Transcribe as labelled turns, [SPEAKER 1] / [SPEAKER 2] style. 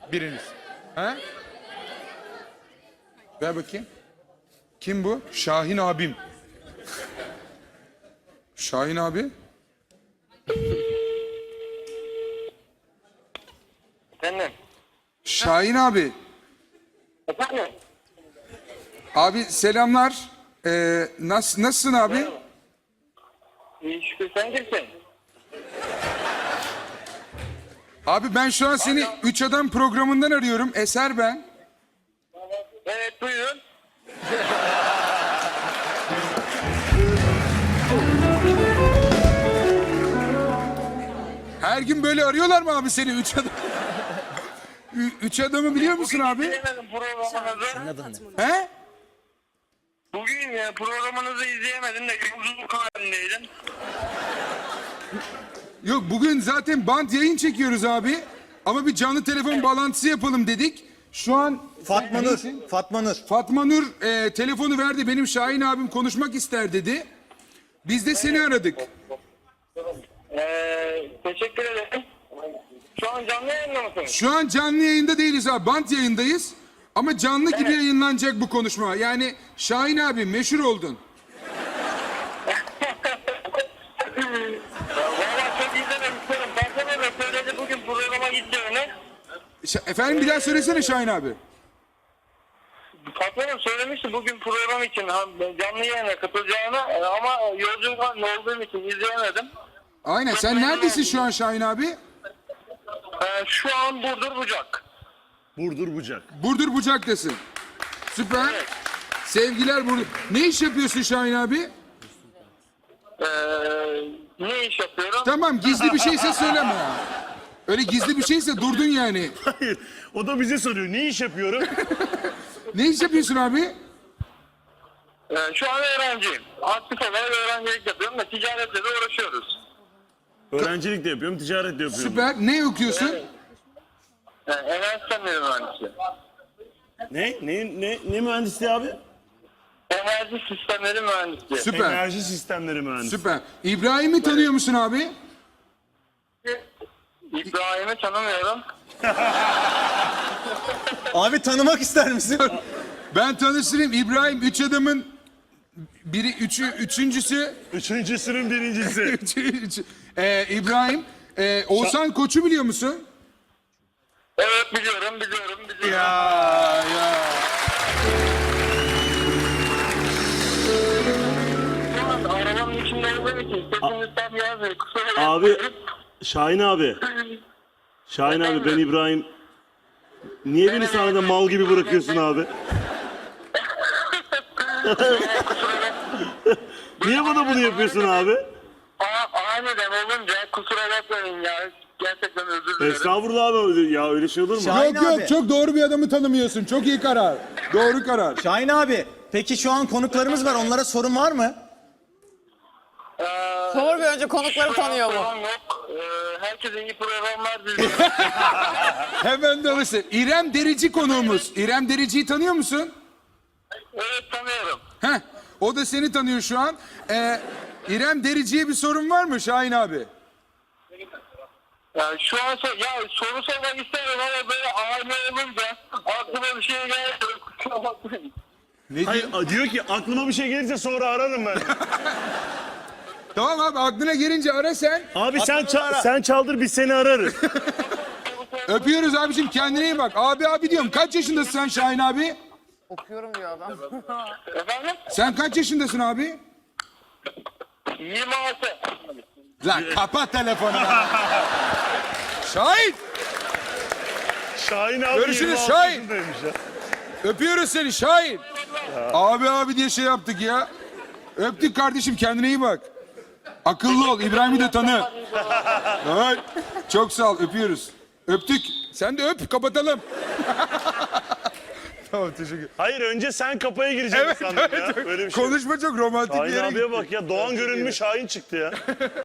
[SPEAKER 1] Biriniz. Ha? Ver bakayım. Kim bu? Şahin abim. Şahin abi.
[SPEAKER 2] Efendim?
[SPEAKER 1] Şahin abi.
[SPEAKER 2] Efendim?
[SPEAKER 1] Abi selamlar. Nasılsın abi?
[SPEAKER 2] İyi şükür, sen kimsin?
[SPEAKER 1] Abi ben şu an seni Üç Adam programından arıyorum. Eser ben.
[SPEAKER 2] Evet, buyurun.
[SPEAKER 1] Her gün böyle arıyorlar mı abi seni Üç Adam? Üç Adam'ı biliyor musun abi?
[SPEAKER 2] İzleyemedim programınızı.
[SPEAKER 1] He?
[SPEAKER 2] Bugün programınızı izleyemedim de yolculuk halindeydim.
[SPEAKER 1] Yok bugün zaten bant yayın çekiyoruz abi. Ama bir canlı telefon bağlantısı yapalım dedik. Şu an
[SPEAKER 3] Fatma Nur. Fatma Nur.
[SPEAKER 1] Fatma Nur telefonu verdi. Benim Şahin abim konuşmak ister dedi. Biz de seni aradık.
[SPEAKER 2] Teşekkür ederim. Şu an canlı yayında mısınız?
[SPEAKER 1] Şu an canlı yayında değiliz abi. Bant yayındayız. Ama canlı gibi yayınlanacak bu konuşma. Yani Şahin abi meşhur oldun.
[SPEAKER 2] Valla çok izlememişlerim. Patronum da söyledi bugün programa gideceğini.
[SPEAKER 1] Efendim bir daha söylesene Şahin abi.
[SPEAKER 2] Patronum söylemişti bugün program için canlı yayına katılacağını ama yolculuk halinde olduğum için izleyemedim.
[SPEAKER 1] Aynen. Sen neredesin şu an Şahin abi?
[SPEAKER 2] Şu an Burdur Bucak.
[SPEAKER 3] Burdur Bucak.
[SPEAKER 1] Burdur Bucak'tasın. Süper.
[SPEAKER 2] Evet.
[SPEAKER 1] Sevgiler Burdur. Ne iş yapıyorsun Şahin abi?
[SPEAKER 2] Ne iş yapıyorum?
[SPEAKER 1] Tamam gizli bir şeyse söyleme ya. Öyle gizli bir şeyse durdun yani.
[SPEAKER 3] Hayır. O da bize soruyor. Ne iş yapıyorum?
[SPEAKER 1] Ne iş yapıyorsun abi?
[SPEAKER 2] Şu an öğrenciyim. Aktif olarak öğrencilik yapıyorum da ticaretle de uğraşıyoruz.
[SPEAKER 3] Öğrencilik de yapıyorum, ticaret de yapıyorum.
[SPEAKER 1] Süper. Ne okuyorsun?
[SPEAKER 2] Enerji sistemleri mühendisi.
[SPEAKER 3] Ne mühendisliği abi?
[SPEAKER 2] Enerji sistemleri mühendisi.
[SPEAKER 1] Süper.
[SPEAKER 3] Enerji sistemleri mühendisi.
[SPEAKER 1] Süper. İbrahim'i tanıyor musun abi?
[SPEAKER 2] İbrahim'i tanımıyorum.
[SPEAKER 3] Abi tanımak ister misin?
[SPEAKER 1] Ben tanıştırayım. İbrahim Üç Adam'ın üçüncüsü.
[SPEAKER 3] Üçüncüsünün birincisi.
[SPEAKER 1] İbrahim. Oğuzhan Koç'u biliyor musun?
[SPEAKER 2] Evet biliyorum.
[SPEAKER 1] Ya.
[SPEAKER 2] Şu an arabanın içinde olduğum için sesiniz tam yazmıyor. Kusura
[SPEAKER 4] Abi,
[SPEAKER 2] bakmayın.
[SPEAKER 4] Şahin abi. Şahin abi ben İbrahim. Niye beni sahnede mal gibi bırakıyorsun abi? Niye bana bunu yapıyorsun abi?
[SPEAKER 2] Aniden olunca kusura bakmayın ya. Gerçekten özür dilerim.
[SPEAKER 4] Estağfurullah abi ya öyle şey olur mu?
[SPEAKER 3] Şahin
[SPEAKER 1] Yok
[SPEAKER 3] abi.
[SPEAKER 1] çok doğru bir adamı tanımıyorsun. Çok iyi karar. Doğru karar.
[SPEAKER 3] Şahin abi. Peki şu an konuklarımız var. Onlara sorun var mı?
[SPEAKER 5] Sor bir önce konukları tanıyor mu?
[SPEAKER 2] Şu an yok. Herkese iyi programlar diliyorum.
[SPEAKER 1] Hemen de alırsın. İrem Derici konuğumuz. İrem Derici'yi tanıyor musun?
[SPEAKER 2] Evet tanıyorum.
[SPEAKER 1] Heh, o da seni tanıyor şu an. İrem Derici'ye bir sorun var mı Şahin abi?
[SPEAKER 2] Yani şu an soru sormak isterim ama böyle aile olunca aklıma bir şey gelmiyor. Kusura bakmayın.
[SPEAKER 1] Ne
[SPEAKER 3] Hayır
[SPEAKER 1] diyor?
[SPEAKER 3] diyor ki aklıma bir şey gelirse sonra ararım ben.
[SPEAKER 1] Tamam abi aklına gelince ara sen.
[SPEAKER 4] Abi sen çaldır biz seni ararız.
[SPEAKER 1] Öpüyoruz abicim kendine iyi bak. Abi diyorum kaç yaşındasın sen Şahin abi?
[SPEAKER 5] Okuyorum diyor adam.
[SPEAKER 2] Efendim?
[SPEAKER 1] Sen kaç yaşındasın abi?
[SPEAKER 2] 26.
[SPEAKER 1] Lan kapat telefonu. Şahin
[SPEAKER 3] Şahin abi
[SPEAKER 1] Görüşürüz
[SPEAKER 3] 26
[SPEAKER 1] Şahin.
[SPEAKER 3] yaşındaymış ya.
[SPEAKER 1] öpüyoruz seni Şahin. Abi diye şey yaptık ya. Öptük kardeşim kendine iyi bak. Akıllı ol İbrahim'i de tanı. Evet. Çok sağ ol öpüyoruz. Öptük. Sen de öp kapatalım. Tamam teşekkür.
[SPEAKER 3] Hayır önce sen kapıya gireceksin sandım ya. Böyle bir şey.
[SPEAKER 1] Konuşma çok romantik bir
[SPEAKER 3] Şahin
[SPEAKER 1] yere
[SPEAKER 3] abiye
[SPEAKER 1] gitti.
[SPEAKER 3] bak ya Doğan görünmüş Şahin çıktı ya.